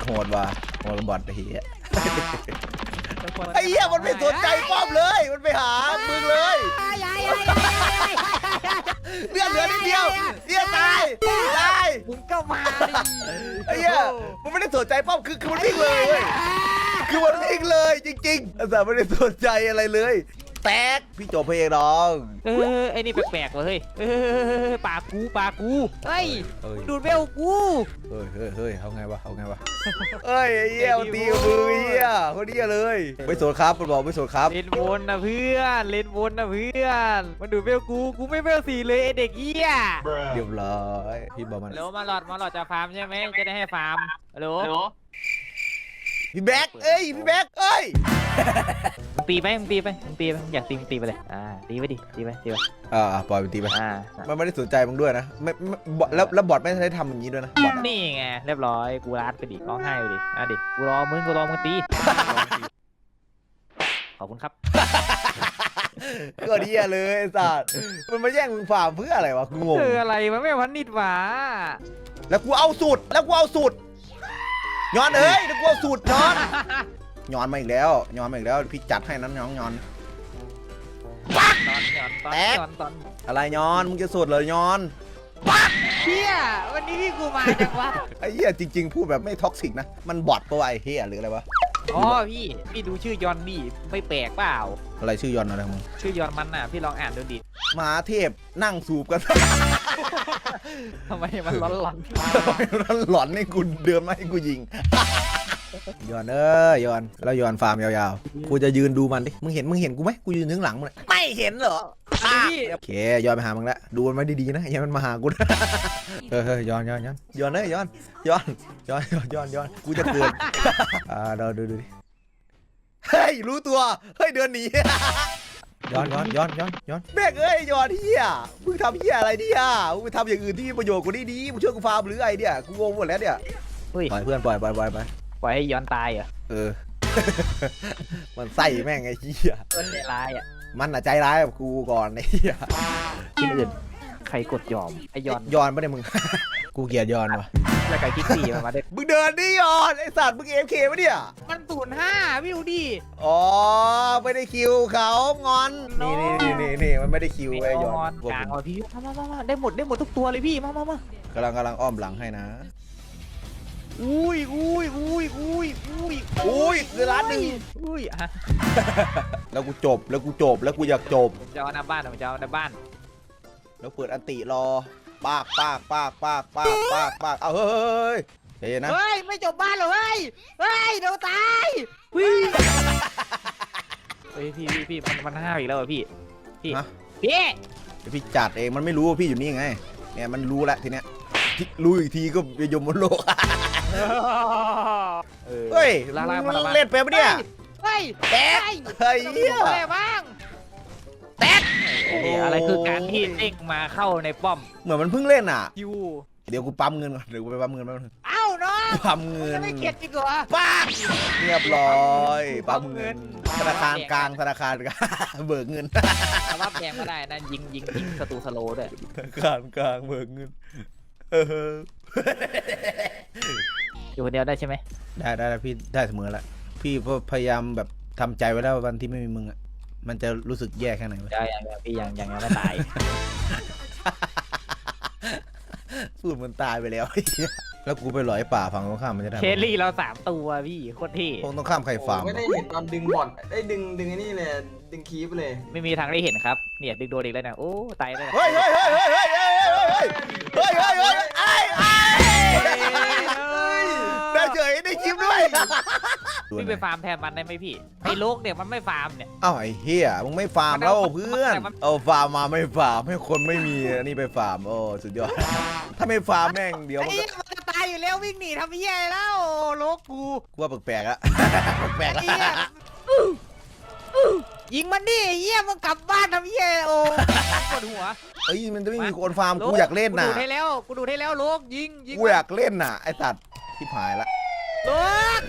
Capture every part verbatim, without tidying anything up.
โหดว่ะโหดบอทไอ้เหี้ยไอ้เหี้ยมันไม่สนใจป้อมเลยมันไปหามึงเลยเลือดเหลือนิดเดียวเหี้ยตายตายมึงก็มาดิไอ้เหี้ยมันไม่ได้สนใจป้อมคือคือมันวิ่งเลยเว้ยคือมันวิ่งเลยจริงๆแต่ไม่ได้สนใจอะไรเลยแตกพี่จบเพลงน้องเออไอ้นี่แปลกๆว่ะเฮ้ยเออปากกูปากกูเฮ้ยดูดเบลกูเฮ้ยเฮ้ยเฮ้ยเอาไงวะเอาไงวะเฮ้ยไอ้เหี้ยตีมือเหี้ยคนนี้เลยไม่สนครับมันบอกไม่สนครับเล่นวนนะเพื่อนเล่นวนนะเพื่อนมันดูดเบลกูกูไม่เบลสี่เลยไอเด็กเหี้ยเรียบร้อยพี่บอกมันแล้วมาหลอดมาหลอดจะฟาร์มใช่ไหมจะได้ให้ฟาร์มฮัลโหลพี่แบ็คเอ้ยพี่แบ็คเอ้ยมึงตีไปมึงตีไปมึงตีไปอยากตีมึงตีไปเลยอ่าตีไปดิตีไปตีไปอ่าปล่อยมันตีไปอ่ามันไม่ได้สนใจมึงด้วยนะไม่แล้วแล้วบอทไม่ได้ทำอย่างนี้ด้วยนะนี่ไงเรียบร้อยกูรัดไปดิร้องไห้ไปดิอ่ะดิกูรอมึงกูรอมึงตีขอบคุณครับก็ดีเลยไอ้สัตว์มันมาแย่งมึงฟาร์มเพื่ออะไรวะกูงงคืออะไรมันไม่พันนิดหวาแล้วกูเอาสูตรแล้วกูเอาสูตรย้อนเอ้ยแล้วกูเอาสูตรย้อนย้อนมาอีกแล้วย้อนมาอีกแล้วพี่จัดให้นั้นย้อนย้อนปักตอนย้อนตอนย้อนตอนอะไรย้อนมึงจะสูตรเลยย้อนปักเฮียวันนี้พี่กูมาจังวะไอ้เหี้ยจริงๆพูดแบบไม่ท็อกซิกนะมันบอทตัวไอ้เหี้ยหรืออะไรวะอ๋อพี่พี่ดูชื่อยอนดิไม่แปลกเปล่าอะไรชื่อยอนอะไรมึงชื่อยอนมันน่ะพี่ลองอ่านดูดิมหาเทพนั่งสูบกันทำไมมันร้อนร้อนร้อนหลอนให้กูเดินมาให้กูยิงย้อนเอ้ยย้อนแล้วย้อนฟาร์มยาวๆกูจะยืนดูมันดิมึงเห็นมึงเห็นกูไหมกูยืนถึงหลังมึงไม่เห็นเหรอโอเคย้อนไปหามึงแล้วดูมันไว้ดีๆนะอย่ามันมาหากูเฮ้ยย้อนย้อนย้อนย้อนเอ้ยย้อนย้อนย้อนย้อนย้อนย้อนกูจะเกิดอ่าเราดูดูดิเฮ้ยรู้ตัวเฮ้ยเดินหนีย้อนย้อนย้อนย้อนย้อนแม่งเอ้ยย้อนเฮียมึงทำเฮียอะไรเนี่ยมึงไปทำอย่างอื่นที่มีประโยชน์กูดีๆมึงช่วยกูฟาร์มหรือไงเนี่ยกูงงหมดแล้วเนี่ยปล่อยเพื่อนปล่อยปล่อยปล่อยไปปล่อยให้ย้อนตายเหรอเออมันใส่แม่งไอ้เหี้ยมันใจร้ายอ่ะมันอะใจร้ายกับกูก่อนไอ้เหี้ยที่อื่นใครกดยอมไอ้ย้อนย้อนไม่ได้มึงกูเกลียดย้อนวะแล้วไก่กิ๊กซี่มาได้มึงเดินดิย้อนไอ้สัตว์มึงเอฟเคปะเนี่ยมันศูนย์ห้าพี่ดูดิอ๋อไม่ได้คิวเขางอนนี่นี่นี่นี่มันไม่ได้คิวไอ้ย้อนกลางอ่ะพี่มามามาได้หมดได้หมดทุกตัวเลยพี่มามามากำลังกำลังอ้อมหลังให้นะอุ้ยอุ้ยอุ้ยอุ้ยอุ้ยอุ้ยคือร้านหนึ่งอุ้ยฮะแล้วกูจบแล้วกูจบแล้วกูอยากจบจะเอาหน้าบ้านผมจะเอาหน้าบ้านแล้วเปิดอันติรอปากปากปากปากปากปากปากเอาเฮ้ยเฮ้ยนะเฮ้ยไม่จบบ้านหรอเฮ้ยเฮ้ยเดี๋ยวตายพี่เฮ้ยพี่พี่พี่มันมันห้าวอีกแล้วพี่พี่พี่พี่จัดเองมันไม่รู้ว่าพี่อยู่นี่ไงเนี่ยมันรู้แล้วทีเนี้ยรู้อีกทีก็ไปยมบนโลกเฮ้ยเล่นไปปะเนี่ยเฮ้ยแตกเฮ้ยอะไรบ้างแตกอะไรคือการที่เด้งมาเข้าในป้อมเหมือนมันเพิ่งเล่นอ่ะคิวเดี๋ยวกูปั๊มเงินก่อนเดี๋ยวกูไปปั๊มเงินแป๊บนึงเอ้าน้องปั๊มเงินไม่เก็บจริงเหรอป้าเรียบร้อยปั๊มเงินธนาคารกลางธนาคารกลางเบิกเงินสภาพแดงก็ได้นะยิงยิงยิงศัตรูสโลด้วยธนาคารกลางเบิกเงินเอออยู่คนเดียวได้ใช่ไหมได้ได้พี่ได้เสมอละพี่พยายามแบบทำใจไว้แล้ววันที่ไม่มีมึงอ่ะมันจะรู้สึกแย่แค่ไหนวะได้ยังพี่ยังยังยังไม่ตายพูดมันตายไปแล้วแล้วกูไปหลอยป่าฝั่งตรงข้ามมันจะได้เคลลี่เราสามตัวพี่โคตรที่ตรงตรงข้ามใครฟาร์มไม่ได้เห็นตอนดึงบอลได้ดึงดึงไอ้นี่เลยดึงคีบเลยไม่มีทางได้เห็นครับเนี่ยดึงโดนอีกแล้วนะโอ้ตายเลยเฮ้ยเฮ้ยเฮ้ยเฮ้ยเฮ้ยเฮ้ยเฮ้ยเฮ้ยเฮ้ยไอ้ไอ้ได้เฉยได้คลิปด้วยพี่ไปฟาร์มแทนมันได้ไหมพี่ไอ้โลกเนี่ยมันไม่ฟาร์มเนี่ยอ้าวไอ้เฮียมึงไม่ฟาร์มแล้วเพื่อนเอาฟาร์มมาไม่ฟาร์มให้คนไม่มีนี่ไปฟาร์มโอ้สุดยอดถ้าไม่ฟาร์มแม่งเดี๋ยวมันจะตายอยู่แล้ววิ่งหนีทำเหี้ยแล้วโลกกูกูว่าแปลกๆอะแปลกๆอะยิงมันดิเหี้ยมันกลับบ้านทำเหี้ยโอ้ปวดหัวเอ้ยมันจะไม่มีคนฟาร์มกูอยากเล่นน่ะกูดูให้แล้วกูดูให้แล้วโลกยิงยิงกูอยากเล่นน่ะไอ้สัตว์ที่หายละโลก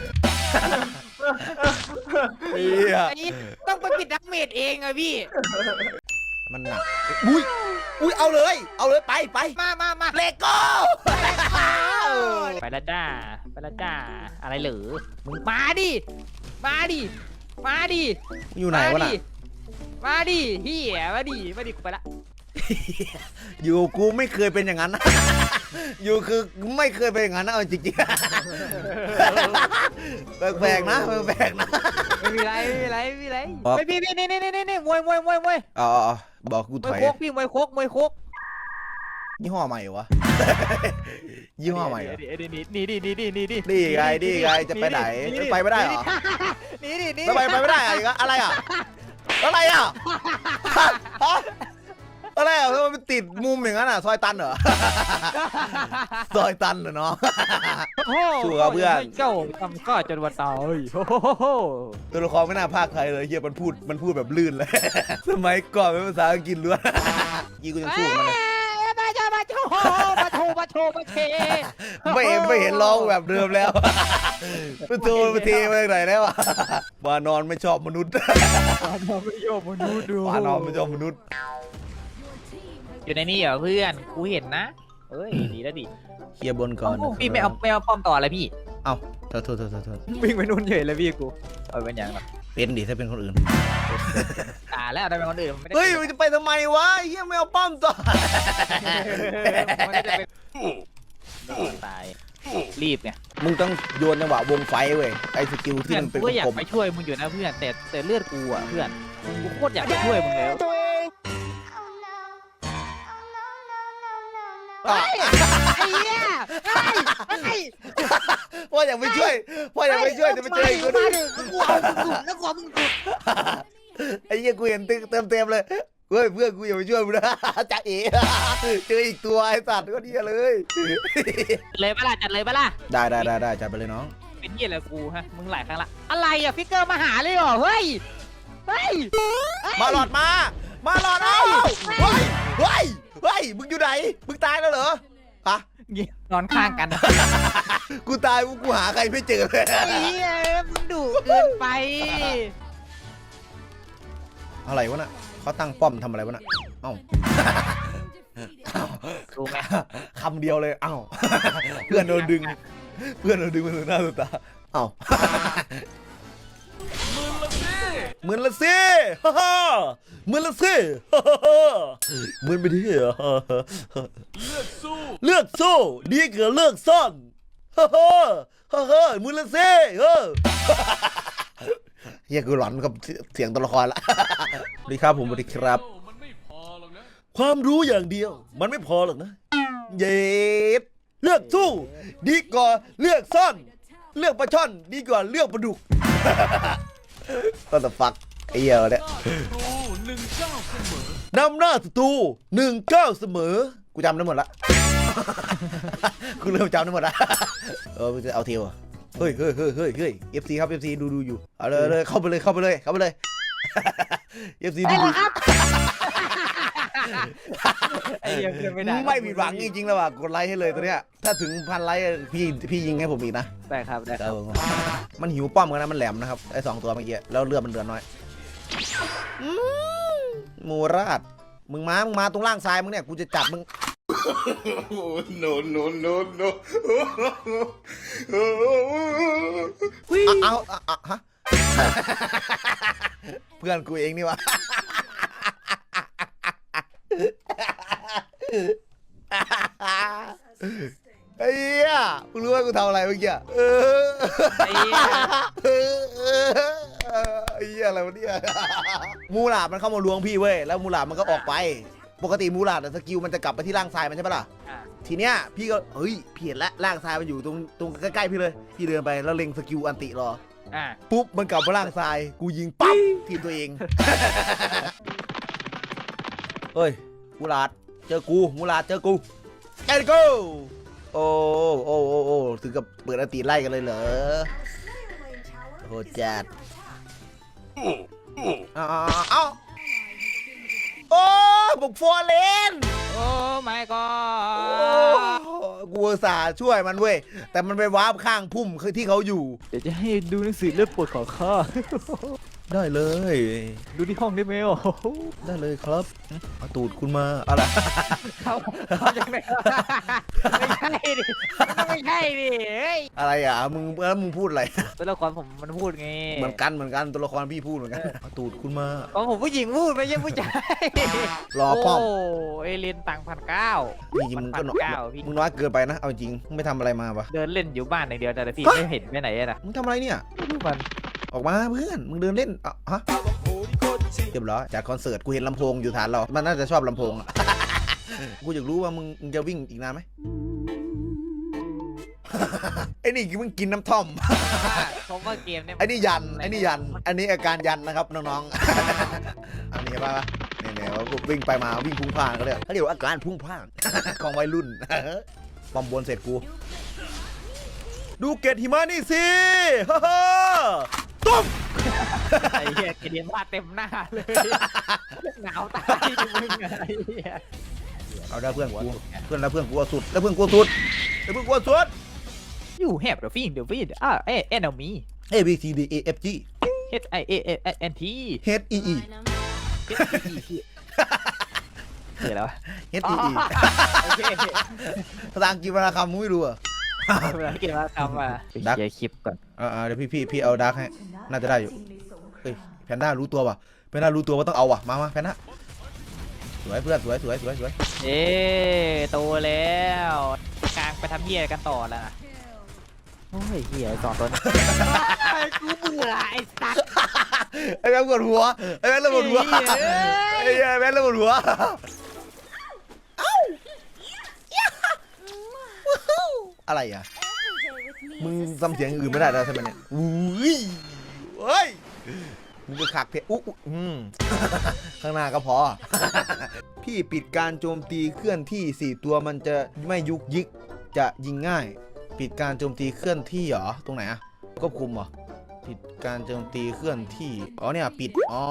เฮียต้องไปปิดดักเมดเองอะพี่มันหนักอุ้ยอุ้ยเอาเลยเอาเลยไปไปมามามาเลโก้ไปแล้วจ้าไปแล้วจ้าอะไรเหรอมึงมาดิมาดิมาดิอยู่ไหนวะน่ะมาดิเฮียมาดิมาดิกูไปละอยู่กูไม่เคยเป็นอย่างนั้นนะ อยู่คือไม่เคยเป็นอย่างนั้นนะเอาจริงๆ แปลกๆนะแปลกๆนะไม่มีไรไม่มีไรไม่มีไรครับไม่พี่พี่นี่นี่นี่นี่มวยมวยมวยมวยอ๋อบอกกูมถวยอยโคกพี่มวยโคกมวยโคกยี่ห้อใหม่เหรอวะ ยี่ห้อใหม่เหรอนี่ดินี่ดินี่ดินี่ดินี่ไงนี่ไงจะไปไหนไปไม่ได้เหรอนี่ดินี่ทำไมไปไม่ได้อะอีกอะอะไรอ่ะอะไรอ่ะฮะอะไรอ่ะทำไมมันติดมุมอย่างนั้นอ่ะซอยตันเหรอ ซอยตันเหรอเนาะ สู้กับเพื่อนเจ้าทำก็จนวันตายโอ้โหตัวละครไม่น่าพากใครเลยเฮียมันพูดมันพูดแบบลื่นเลย สมัยก่อนเป็นภาษาอังกฤษล้วน ยี่กูยังสู้กับมันเลยมาจ้ามาโชว์มาโชว์มาโชว์มาเทไม่เห็นไม่เห็นร้องแบบเดิมแล้วไปโทรมาทีมาจากไหนแล้วอะวานอนไม่ชอบมนุษย์วานอนไม่ชอบมนุษย์ดูวานอนไม่ชอบมนุษย์อยู่ในนี่เหรอเพื่อนกูเห็นนะเอ้ยดีแล้วดิเคลียร์บนก่อนนะครับพี่ไม่เอาไม่เอาป้อมต่ออะไรพี่เอ้าโทษโทษโทษโทษโทษวิ่งไปนู่นเฉยเลยพี่กูเอาเป็นอย่างนั้นเป็นดิถ้าเป็นคนอื่นตาแล้วได้เป็นคนอื่นมันไม่ได้เฮ้ยมันจะไปทำไมวะเฮียไม่เอาป้อมต่อมันไม่ได้เป็นตายรีบไงมึงต้องโยนจังหวะวงไฟเว้ยไอ้สกิลที่เพื่อนมันเป็นกูก็อยากกลมไปช่วยมึงอยู่นะเพื่อนแต่แต่เลือดกูอ่ะเพื่อนกูโคตรอยากไปช่วยมึงแล้วๆอ่ะไอ้เหี้ยไอ้ไอ้พ่ออยากไปช่วยพ่ออยากไปช่วยจะไปเจออีกคนมานึงดิกูเอามึงสุดแล้วกูเอามึงสุดไอ้เหี้ยกูเห็นเต็มเต็มเต็มเลยเฮ้ยเพื่อนกูอย่าไปช่วยมึงนะ จ่าเอ๋เจออีกตัวไอ้สัตว์ก็ดีเลยเลยปะล่ะจัดเลยปะล่ะได้ได้ได้ได้จัดไปเลยน้องเป็นเหี้ยอะไรกูฮะมึงหลายครั้งละอะไรอ่ะฟิกเกอร์มาหาเลยเหรอเฮ้ยเฮ้ยมาหลอดมา มาหลอดเอาเฮ้ยเฮ้ยเฮ้ยมึงอยู่ไหนมึงตายแล้วเหรอฮะนอนข้างกันกูตายกูหาใครไม่เจอเลยไอ้เหี้ยมึงดุเกินไปอะไรวะน่ะเขาตั้งป้อมทำอะไรวะน่ะเอ้ารู้ไหมคำเดียวเลยเอ้า เพื่อนโดนดึง เพื่อนโดนดึงมาถึงหน้าตัวตาเอ้าหมื่นละสิฮ่าฮ่าหมื่นละสิฮ่าฮ่าหมื่นไปที่เหรอเลือกสู้เลือกสู้ดีกว่าเลือกซ่อนฮ่าฮ่าฮ่าฮ่าหมื่นละสิเออเฮียกูหลอนกับเสียงตัวละครละสวัสดีครับผมสวัสดีครับ ความรู้อย่างเดียวมันไม่พอหรอกนะเย็ดเลือกสู้ดีกว่าเลือกซ่อน เลือกปลาช่อนดีกว่าเลือกปลาดุก ก็จะฟักไอ้เหี้ยเนี่ยนำหน้าศัตรูหนึ่งเก้าเสมอกูจำได้หมดละ กูเริ่มจำได้หมดละ เออจะเอาเทียวเฮ้ยเฮ้ยเฮ้ยเฮ้ยเฮ้ยเอฟซีครับเอฟซีดูดูอยู่เอาเลยเลยเข้าไปเลยเข้าไปเลยเข้าไปเลย เอฟซีดูดูไอ้เหี้ยเพื่อนไม่ได้ไม่ผิดหวังจริงๆแล้วว่ะกดไลค์ให้เลยตัวเนี้ยถ้าถึงพันไลค์พี่พี่ยิงให้ผมอีกนะได้ครับได้ครับมันหิวป้อมกันนะมันแหลมนะครับไอ้สองตัวเมื่อกี้แล้วเลือดมันเดือดน้อยอืมมูราดมึงมามึงมาตรงล่างซ้ายมึงเนี่ยกูจะจับมึง no no no no เอาเอาเอาฮะ เพื่อนกูเองนี่วะ ไอ้เหี้ยมึงรู้ว่ากูทำอะไรเมื่อกี้เออไอ้เหี้ยเออเออไอ้เหี้ยอะไรวะเนี่ยมูหลาดมันเข้ามาล้วงพี่เว้ยแล้วมูหลาดมันก็ออกไปปกติมูหลาดอะสกิลมันจะกลับไปที่ร่างทรายมันใช่ปะล่ะอ่ะทีเนี้ยพี่ก็เฮ้ยพี่เห็นแล้วร่างทรายมันอยู่ตรงตรงใกล้ๆพี่เลยพี่เดินไปแล้วเล็งสกิลอันติรออ่ะปุ๊บมันกลับมาร่างทรายกูยิงปั๊บทีมตัวเอง เฮ้ยมูหลาดเจอกูมูหลาดเจอกูแกนกูโอ้โอ้โอ้โอ้ถึงกับเปิดอันติไล่กันเลยเหรอโหจัดเอาเอาเอาโอ้บุกฟอร์เลนโอ้ my โอ้ god กูอุตส่าห์ช่วยมันเว้ยแต่มันไปวาร์ปข้างพุ่มคือที่เขาอยู่เดี๋ยวจะให้ดูหนังสือเลือดปวดของข้าได้เลยดูที่ห้องได้ไหมโอ้โหได้เลยครับเอาตูดคุณมาอะไรเขาเขาจะไม่ไม่ใช่ดิมันไม่ใช่ดิเฮ้ยอะไรอ่ะมึงแล้วมึงพูดอะไรตัวละครผมมันพูดไงเหมือนกันเหมือนกันตัวละครพี่พูดเหมือนกันเอาตูดคุณมาของผมผู้หญิงพูดไม่ใช่ผู้ชายรอป้อมโอ้เอเลนตังพันเก้าจริงๆมึงก็น้อยเก้าพี่มึงน้อยเกินไปนะเอาจริงมึงไม่ทำอะไรมาปะเดินเล่นอยู่บ้านอย่างเดียวแต่พี่ไม่เห็นไปไหนอะนะมึงทำอะไรเนี่ยมันออกมาเพื่อนมึงเดินเล่นอ่ะฮะเรียบร้อยจัดคอนเสิร์ตกูเห็นลำโพงอยู่ฐานเรามันน่าจะชอบลำโพงอะ กูอยากรู้ว่ามึงมึงจะวิ่งอีกนานไหม ไอ้นี่มึงกินน้ำท่อมผมว่าเกมเนี่ยไอ้นี่ยันไอ้นี่ยัน อันนี้อาการยันนะครับน้องๆ อันนี้ป่ะเนี่ยเนี่ยเขาวิ่งไปมาวิ่งพุ่งพล่านเขาเรียกเขาเรียกว่าอาการพุ่งพล่าน ของวัยรุ่น ปอมบนเสร็จกู ดูเกตหิมะนี่สิ ฮ่าฮ่าตุ้มไอ้เหี้ยเกมว่าเต็มหน้าเลยหนาวตายดิมึงไงไอ้เหี้ยเอาได้เพื่อนกูเพื่อนแล้วเพื่อนกูเอาสุดแล้วเพื่อนกูเอาสุดแล้วเพื่อนกูเอาสุด You have the feeling the feeling ah eh enemy A B C D A F G H I A A N T H E E คืออะไรวะ H E E โอเคภาษาอังกฤษวรรณคำมึงไม่รู้เหรอ่ะเวลาเกมว่าคำอ่ะไปเคลียร์คลิปก่อนอ่าเดี๋ยวพี่พี่พี่เอาดาร์กให้น่าจะได้อยู่เฮ้ยแพนด้ารู้ตัวป่ะแพนด้ารู้ตัวว่าต้องเอาว่ะมามาแพนด้าสวยเพื่อนสวยสวยสวยสวยเอ๊โตแล้วกลางไปทำเหี้ยกันต่อแล้วนะโอ้ยเหี้ยสองตัวนี้กูเบื่อไอ้สัตว์ไอ้แม่งปวดหัวไอ้แม่งระเบิดหัวไอ้แม่งระเบิดหัวอะไรอ่ะมึงทำเสียงอื่นไม่ได้แล้วใช่ไหมเนี่ยอุ้ยเฮ้ยมึงไปขักเพะอุ๊อืมข้างหน้าก็พอ พี่ปิดการโจมตีเคลื่อนที่สี่ตัวมันจะไม่ยุกยิกจะยิงง่าย ปิดการโจมตีเคลื่อนที่เหรอตรงไหนอะควบคุมเหรอปิดการโจมตีเคลื่อนที่อ๋อเนี่ยปิดอ๋อ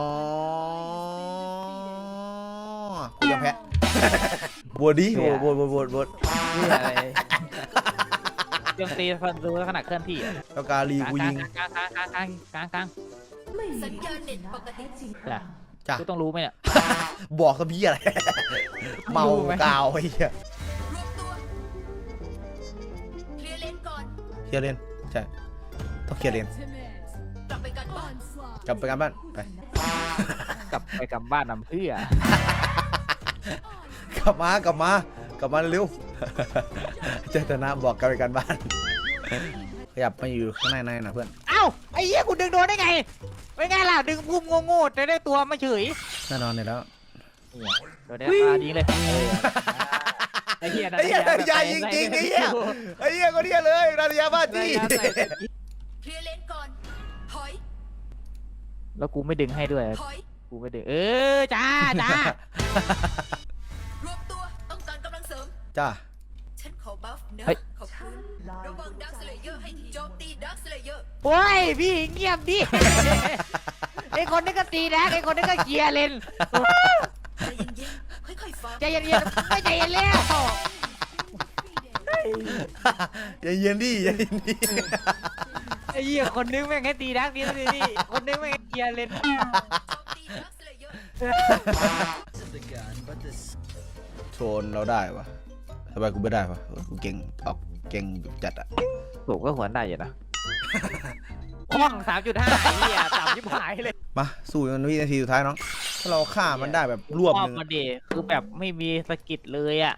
กูจะแพ้ บวชดิบวชบวชบวชบวชเหี้ยอะไรโจมตีฟันดูขนาดเคลื่อนที่อะแล้วกาลีกูยิงกลางกลางกลางกลางกลางกลางสัญญาณเน็ตปกติจ้ะจ้ะกูต้องรู้ไหมเนี่ยบอกซะพี่อะไร เมากาวไอ้เหี้ยรวมตัว เคลียร์เลนก่อนเคลียร์เลนใช่ต้องเคลียร์เลนกลับไปกันบ้านกลับไปกันบ้านไปกลับไปกลับบ้านนำเพื่อกลับมากลับมากลับมาเร็ว เจตนาบอกกลับไปกันบ้าน ขยับมาอยู่ข้างในในนะเพื่อนเอ้าไอ้เหี้ยกูดึงโดนได้ไงไม่ไงล่ะดึงพุ่มโง่ๆแต่ได้ตัวมาเฉยแน่นอนเนี่ยแล้วโดนได้ปลาดีเลยไอ้เหี้ยไอ้เหี้ยใหญ่จริงๆไอ้เหี้ยไอ้เหี้ยก็เหี้ยเลยนาฬิกาบ้าจี้เคลียร์เลนก่อน ถอยแล้วกูไม่ดึงให้ด้วยถอยกูไม่ดึงเออจ้าจ้ารวมตัว ต้องการกำลังเสริมจ้าฉันขอบัฟนะ ขอบคุณ ระวังดักสเลเยอร์ให้ทีโจมตีดักสเลเยอร์โอ้ยพี่เงียบดิไอ้คนนี้ก็ตีนะไอ้คนนี้ก็เคลียร์เลนใจเย็นๆ ค่อยๆฟังใจเย็นๆไม่ใจเย็นแล้วอย่าเย็นดิอย่าเย็นดิไอ้เหี้ยคนนึงแม่งให้ตีดักนี่นี่นี่คนนึงแม่งให้เคลียร์เลนโจมตีดักสเลเยอร์โซนเราได้ปะทำไมกูไม่ได้ปะกูเก่งออกเก่งจัดอะผมก็หัวได้อยู่นะห้องสามจุดห้าไอ้เหี้ยต่ำยิบหายเลยมาสู้กันวินาทีสุดท้ายน้องถ้าเราฆ่ามันได้แบบรวบรอหบนึ่งมาเดคือแบบไม่มีสกิลเลยอ่ะ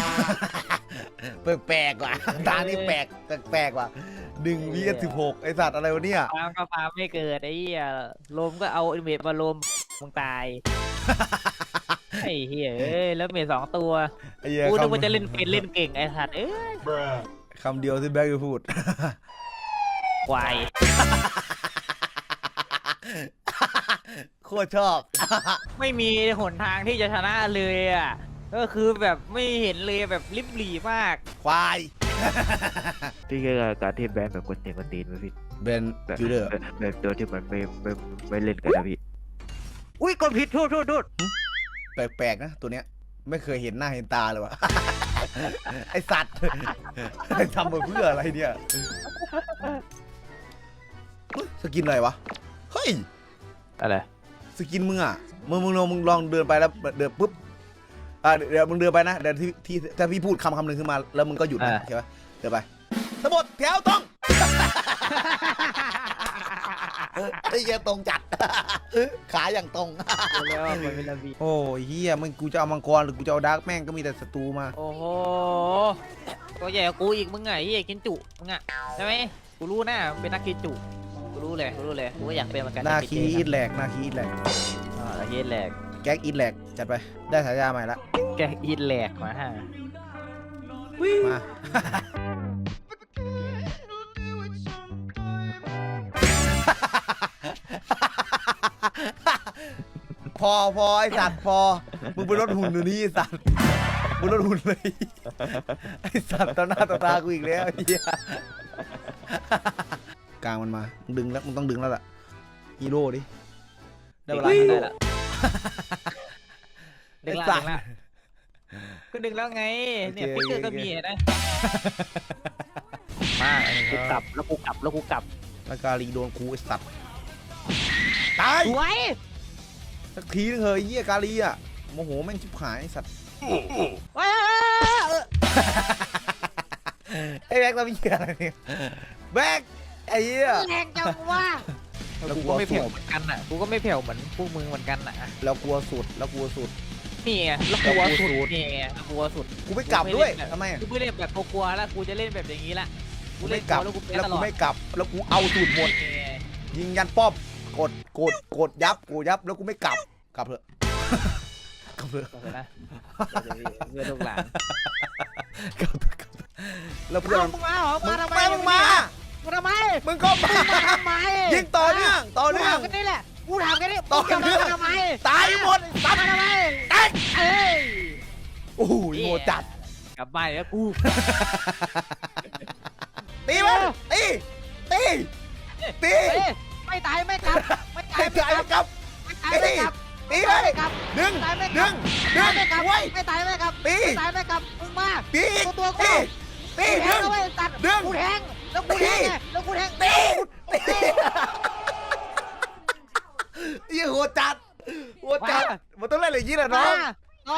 แปลกๆว่ะตานี่แปลกแปลกๆว่ะหนึ่งวีสิบหกไอสัตว์อะไรวะเนี่ยฟาร์มก็ฟาร์มไม่เกิดไอ้เหี้ยลมก็เอาอินเวดมาลมมึงตายไอ้เหี้ยเอ้ยแล้วเมทสองตัวไอ้เหี้ยกูนึกคำว่าจะเล่นเป็นเล่นเก่งไอ้สัตว์เอ้ยคำเดียวที่แบ็คจะพูดควายโคตรชอบไม่มีหนทางที่จะชนะเลยอ่ะก็คือแบบไม่เห็นเลยแบบริบหรี่มากควายที่เกี่ยวกับการที่แบนแบบคนเตียงคนตีนไหมพี่เบนแบบจูเดอร์แบบแบบตัวที่มันไม่ไม่ไม่เล่นกันนะพี่อุ้ยกดผิดโทษโทษโทษแปลกๆนะตัวเนี้ยไม่เคยเห็นหน้าเห็นตาเลยวะ ไอสัตว์ ทำมาเพื่ออะไรเนี่ยเฮ้ยสกินอะไรวะเฮ้ยอะไรสกินมึงอ่ะมึงมึงลองมึงลองเดินไปแล้วเดินปุ๊บอ่าเดี๋ยวมึงเดินไปนะเดี๋ยวที่ที่ถ้าพี่พูดคำคำหนึ่งขึ้นมาแล้วมึงก็หยุดนะโอเคปะเดินไปทั้งหมดแถวตรงไอ้เหี้ยตรงจัดขาอย่างตรงแล้วมันเป็นระเบียบโอ้ยเฮียมึงกูจะเอามังกรหรือกูจะเอาดาร์กแม่งก็มีแต่ศัตรูมาโอ้โหตัวใหญ่กว่ากูอีกมึงไงเฮียกินจุมึงอ่ะใช่ไหมกูรู้นะเป็นนักกินจุกูรู้เลยกูรู้เลยกูก็อยากเป็นเหมือนกันนาคีอีทแหลกนาคีอีทแหลกอ่าเฮียแหลกแก๊กอีทแหลกจัดไปได้ฉายาใหม่ละแกอีแหลกมาฮะมา พอพอไอสัตว์พอมึงไปลดหุ่นอยู่นี่ไอสัตว์มึงลดหุ่นเลยไอสัตว์ต่อหน้าต่อตากูอีกแล้วไอ้เหี้ยกลางมันมามึงดึงแล้วมึงต้องดึงแล้วล่ะฮีโร่ดิได้เวลาฮีโร่ได้ละดึงละดึงละก็ดึงแล้วไงเนี่ยฟิกเกอร์ก็มีนะมากูกลับแล้วกูกลับแล้วกูกลับแล้วกาลีโดนกูไอสัตว์ตายสวยสักทีนึงเฮ้ยเหี้ยกาลีอ่ะโมโหแม่งชิบหายไอ้สัตว์ว้าไอ้แบ็กเรามีอะไรเนี่ยแบ็กไอ้เหี้ยแรงจังวะแล้วกูก็ไม่แผ่วเหมือนกันอ่ะกูก็ไม่แผ่วเหมือนพวกมึงเหมือนกันอ่ะแล้วกลัวสุดแล้วกลัวสุดนี่ไงแล้วกลัวสุดนี่ไงกลัวสุดกูไม่กลับด้วยทำไมกูไม่เล่นแบบกลัวแล้วกูจะเล่นแบบอย่างนี้ละกูกูเล่ไม่นกลับแล้วกูเป็นแล้วตลกูอดไม่กลับแล้วกูเอาสูตรหมดยิงยันป้อมกดกดกดยับกูยับแล้วกูไม่กลับกลับเถอะกลับเถอะนะเพื่อนลูกหลานกลับเถอะกลับเถอะแล้วเพื่อนมึงมาเหรอมึมาง ทำไมมึงมามาทำไมมึงก็มามาทำไมยิงต่อเนื่องต่อเนื่องกูถามกันนี่แหละกูถามกันนี่ต่อเนื่องมาทำไมตายหมดตัดมาทำไมตายเอ้ยโอ้โหโหดจัดกลับบ้านแล้วกูตีมันตีตีตีเอ้ยไม่ตายไม่กลับไม่ตายให้ไม่ตายกลับกับไม่ตายไม่กลับตีเลยไม่กลับดึงตายไม่กดึลับงดึงไม่กลับไว้ไม่ตายไม่กลับตีไม่ตายไม่กลับมึงมาตีอีกตัวกูตีตีกูแทดึงงแล้วเว้ยตัดดึงกูแทงแล้วกูแทงไงแล้วกูแทงตีตียี่โหดจัดโหดจัดมันต้องเล่นอะไรอย่างนี้แหละน้องต่อ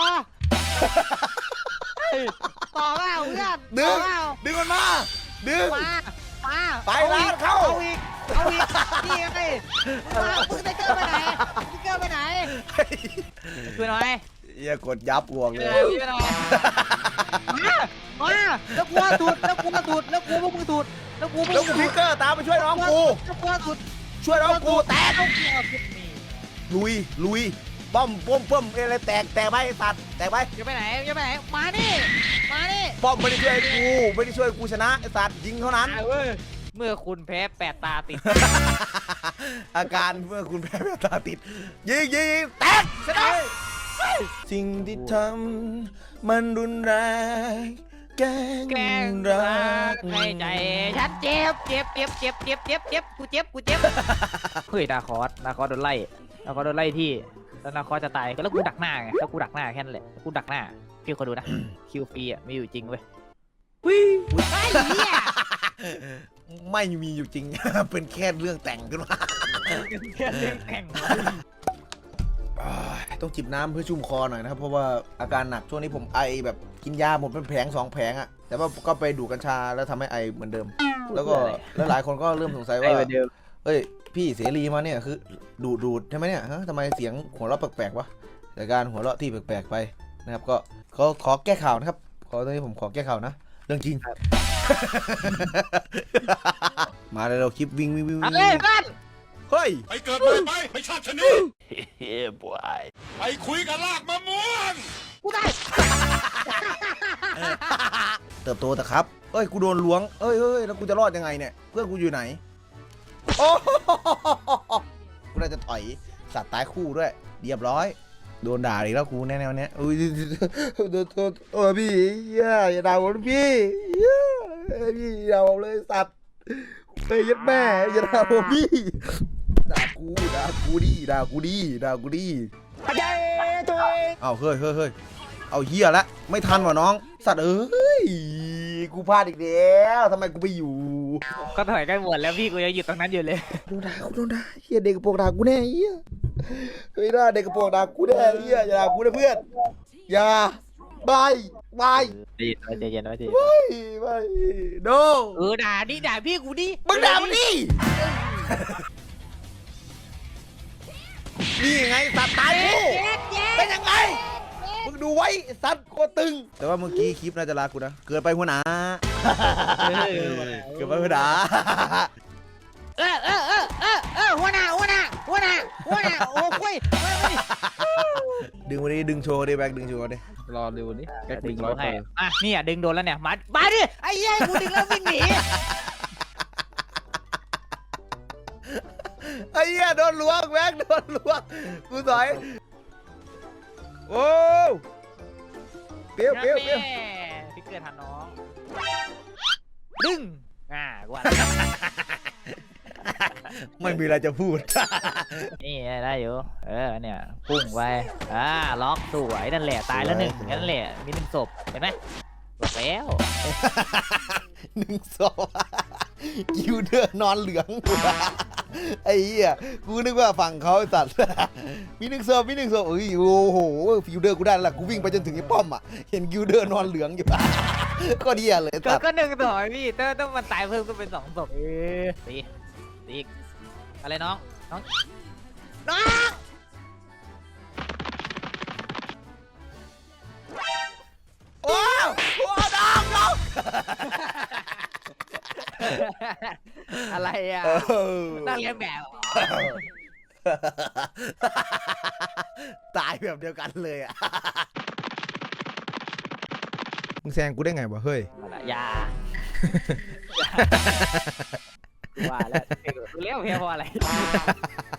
ต่อเปล่าเพื่อนดึต่อง เปล่าดึงมันมาดึงมามาไปร้านเข้าเอาอีกเอาอีกนี่ไงมึงมามึงไทเกอร์ไปไหนไทเกอร์ไปไหนช่วยหน่อยเหี้ยกดยับห่วงช่เลวยยหน่อยช่วยหน่อยมามาแล้วกูถูดแล้วกูมาถูดแล้วกูพวกมึงถูดแล้วกูพวกแล้วมึกูงพิกเกอร์ตามไปช่วยน้องกูแล้วกูถูดช่วยน้องกูแตกแล้วกูเอาผิดนี่ลุยลุยป้อมป้อมป้อมอะไรแตกแตกไปไอ้สัตว์แตกไปจะไปไหนจะไปไหนมานี่มานี่ป้อมไม่ได้ช่วยกูไม่ได้ช่วยกูชนะไอ้สัตว์ยิงเท่านั้นเว้ยเมื่อคุณแพ้แปดตาติดอาการเมื่อคุณแพ้แว่นตาติดยิงยิงยิงแตกชนะสิ่งที่ทำมันรุนแรงแกล้แกล้งงรัรักกในใจฉันเจ็บเจ็บเจ็บเจ็บเจ็บเจ็บเจ็บกูเจ็บกูเจ็บเฮ้ยนาคอสนาคอสโดนไล่นาคอสโดนไล่ที่แล้วนาคอสจะตายแล้วกูดักหน้าไงแล้วกูดักหน้าแค่นั้นแหละกูดักหน้าพี่คนดูนะคิวฟรีอ่ะไม่อยู่จริงเว้ยวิ่งไอ้เหี้ยไม่มีอยู่จริง เป็นแค่เรื่องแต่งขึ้นมาแค่เรื่องแต่งอ่าต้องจิบน้ำเพื่อชุ่มคอหน่อยนะครับเพราะว่าอาการหนักช่วงนี้ผมไอแบบกินยาหมดเป็นแผงสองแผงอะแต่ว่าก็ไปดูดกัญชาแล้วทำให้ไอเหมือนเดิม แล้วก็แล้วหลายคนก็เริ่มสงสัยว่าเอ้ยพี่เสรีมาเนี่ยคือดูดดูดใช่ไหมเนี่ยฮะทำไมเสียงหัวเราะแปลกๆวะแต่การหัวเราะที่แปลกๆไปนะครับก็ขอขอแก้ข่าวนะครับขอตอนนี้ผมขอแก้ข่าวนะเรื่องจริง มาเลยเราคลิปวิ่งวิ่งวิ่งเอาวิ่งเลยเพื่อนเฮ้ยไปเกิดใหม่ไปไปชาติชะนีเฮ้ยบวยไปคุยกับลากมะม่วงกูได้เติบโตแต่ครับเอ้ยกูโดนล้วงเอ้ยเอ้ยแล้วกูจะรอดยังไงเนี่ยเพื่อนกูอยู่ไหนโอ้กูน่าจะถอยสัตว์ตายคู่ด้วยเรียบร้อยโดนด่าอีกแล้วกูแน่ๆเนี้ยอุ้ยโดนโดนโอ้พี่อย่าอย่าด่าผมพี่พี่อย่าผมเลยสัตว์เฮ้ยยัดแม่อย่าด่าผมพี่ด่ากูด่ากูดิด่ากูดิด่ากูดิเอาเฮ้ยเฮ้ยเฮ้ยเอาเหี้ยละไม่ทันว่ะน้องสัตว์เอ้ยกูพลาดอีกแล้วทำไมกูไปอยู่ก็ถอยกันหมดแล้วพี่กูยังอยู่ตรงนั้นอยู่เลยโดนด่ากูโดนด่าเฮียเด็กกระโปรงด่ากูแน่เฮียเฮ้ยด่าเด็กกระโปรงด่ากูแน่เฮียอย่าด่ากูนะเพื่อนอย่าบายบายใจเย็นไว้ใจเย็นบายบายโดเออด่าดิด่าพี่กูดิมึงด่ามันดินี่ไงสัตว์ตายกูเป็นยังไงมึงดูไว้สัตว์โคตรตึงแต่ว่าเมื่อกี้คลิปน่าจะลากูนะเกินไปหัวหน้าเกินไปหัวหน้าเออเออเออเออเออหัวหน้าหัวหน้าหัวหน้าหัวหน้าโอ้คุยดึงมาดิดึงโชว์ดิแบ็คดึงโชว์ดิรอดูนี่แก๊กดึดึงงร้ร้ออย ยให้เปอร์อ่ะนี่อ่ะดึงโดนแล้วเนี่ยมามาดิไอ้ยัยกูดึงแล้ววิ่งหนีไอ้เหี้ยโดนล้วงแบ็คโดนล้วงกูสอยโอ้เปรี้ยวเปรี้ยวเปรี้ยวพี่เกิดทันน้องดึงอ่ากูว่าไม่มีอะไรจะพูดนี่ได้อยู่เออเนี่ยพุ่งไปอ่าล็อกสวยนั่นแหละตายแล้วหนึ่งนั่นแหละมีหนึ่งศพเห็นไหมจบแล้วหนึ่งศพกิวเดอร์นอนเหลือง ไอ้เหี้ยกูนึกว่าฝั่งเขาไอ้สัตว์ มีหนึ่งศพมีหนึ่งศพเอ้ยโอ้โหกิวเดอร์กูได้แล้วล่ะกูวิ่งไปจนถึงไอ้ป้อมอ่ะเห็นกิวเดอร์นอนเหลืองอยู่ ก็เดียเลยก็สัตว์ก็หนึ่งต่อพี่ถ้าต้องมันตายเพิ่มก็เป็นสองศพเออตีตีอะไรน้องน้องน้องโอ้โหดองดองอะไรอ่ะนั่งเรียนแบบตายแบบเดียวกันเลยอ่ะ มึงแซงกูได้ไงวะเฮ้ยอย่าว่าแล้วรู้แล้วเพียงเพราะอะไร